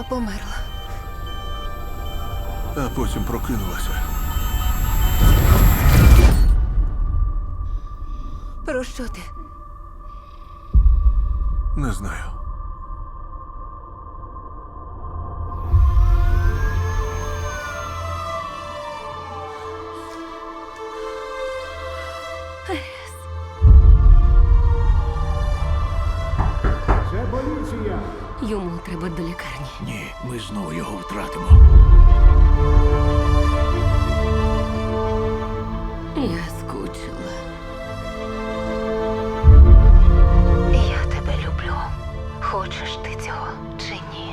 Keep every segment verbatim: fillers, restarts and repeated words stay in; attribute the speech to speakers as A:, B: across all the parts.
A: померла.
B: А потім прокинулася.
A: Про що ти?
B: Не знаю.
C: Це поліція!
A: Йому треба до лікарні.
D: Ні, ми знову його втратимо.
A: Я скучила. Я тебе люблю. Хочеш ти цього чи ні?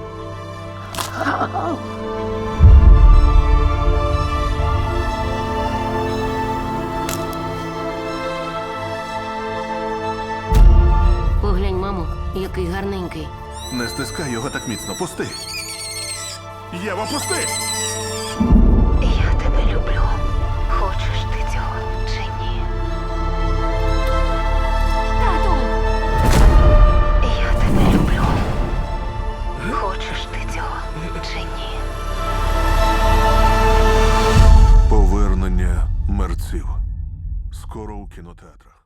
A: Поглянь, мамо, який гарненький.
B: Не стискай його так міцно. Пусти. Єва, пусти!
A: Я тебе люблю. Хочеш ти цього чи ні? Тату! Я тебе люблю. Хочеш ти цього чи ні?
B: Повернення мерців. Скоро у кінотеатрах.